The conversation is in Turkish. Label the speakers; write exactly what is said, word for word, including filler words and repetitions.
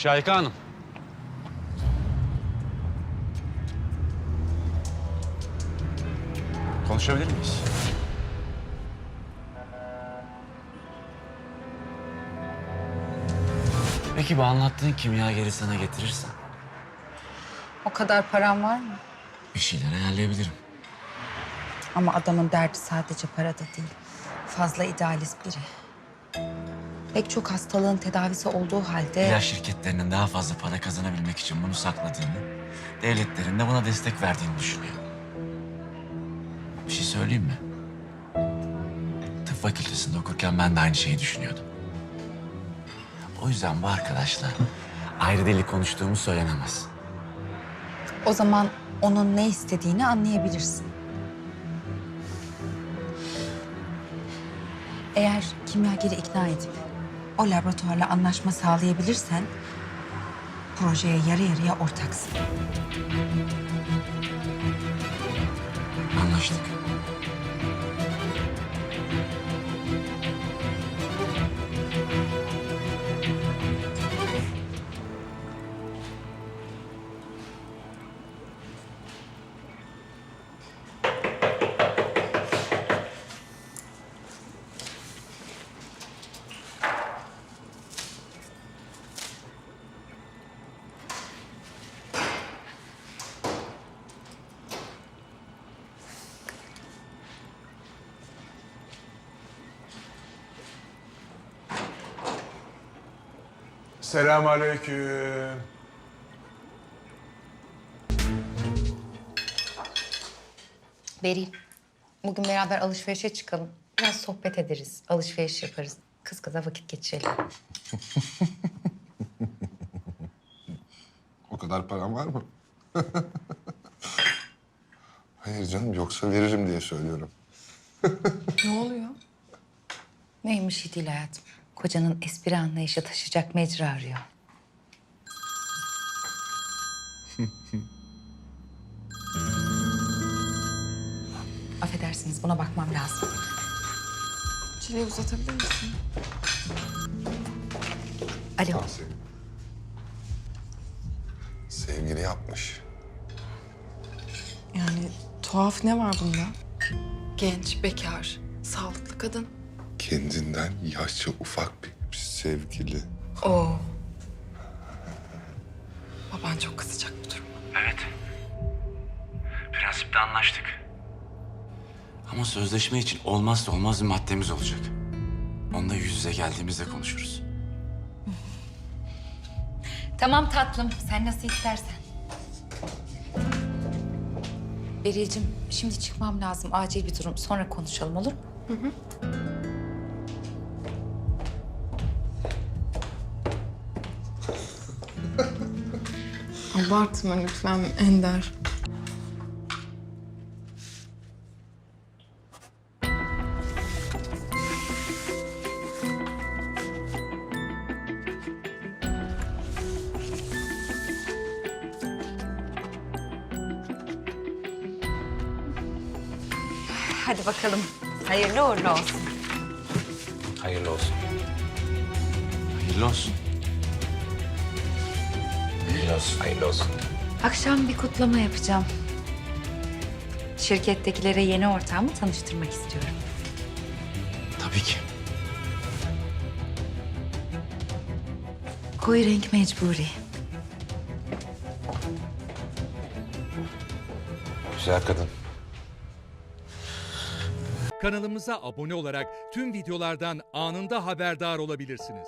Speaker 1: Şahika Hanım. Konuşabilir miyiz? Peki bu anlattığın kimyageri sana getirirsem
Speaker 2: O kadar param var mı?
Speaker 1: bir şeyler ayarlayabilirim.
Speaker 2: Ama adamın derdi sadece parada değil. Fazla idealist biri. Pek çok hastalığın tedavisi olduğu halde...
Speaker 1: İlaç şirketlerinin daha fazla para kazanabilmek için bunu sakladığını, devletlerin de buna destek verdiğini düşünüyor. Bir şey söyleyeyim mi? Tıp fakültesinde okurken ben de aynı şeyi düşünüyordum. O yüzden bu arkadaşla ayrı deli konuştuğumuz söylenemez.
Speaker 2: O zaman onun ne istediğini anlayabilirsin. Eğer kimyageri ikna edip o laboratuvarla anlaşma sağlayabilirsen... projeye yarı yarıya ortaksın.
Speaker 1: Anlaştık.
Speaker 3: Selamünaleyküm.
Speaker 2: Beril, bugün beraber alışverişe çıkalım. Biraz sohbet ederiz, alışveriş yaparız. Kız kıza vakit geçirelim.
Speaker 4: O kadar param var mı? Hayır canım, yoksa veririm diye söylüyorum.
Speaker 2: Ne oluyor? Neymiş şey değil hayatım. Kocanın espri anlayışı taşıyacak mecra arıyor. Affedersiniz, buna bakmam lazım.
Speaker 5: Çileği uzatabilir misin?
Speaker 2: Alo.
Speaker 4: Al seni. Sevgili yapmış.
Speaker 5: Yani tuhaf ne var bunda? Genç, bekar, sağlıklı kadın.
Speaker 4: Kendinden yaşça ufak bir sevgili.
Speaker 5: Oo. Baban çok kızacak bu duruma.
Speaker 1: Evet. Prensipte anlaştık. Ama sözleşme için olmazsa olmaz bir maddemiz olacak. Onu da yüz yüze geldiğimizde konuşuruz.
Speaker 2: Tamam tatlım, sen nasıl istersen. Beril'cim, şimdi çıkmam lazım. Acil bir durum. Sonra konuşalım, olur mu?
Speaker 5: Abartma lütfen Ender.
Speaker 2: Hadi bakalım. Hayırlı uğurlu olsun.
Speaker 1: Hayırlı olsun. Hayırlı olsun. Hayırlı olsun. Hayırlı olsun.
Speaker 2: Akşam bir kutlama yapacağım. Şirkettekilere yeni ortağımı tanıştırmak istiyorum.
Speaker 1: Tabii ki.
Speaker 2: Koyu renk mecburi.
Speaker 4: Güzel kadın.
Speaker 6: Kanalımıza abone olarak tüm videolardan anında haberdar olabilirsiniz.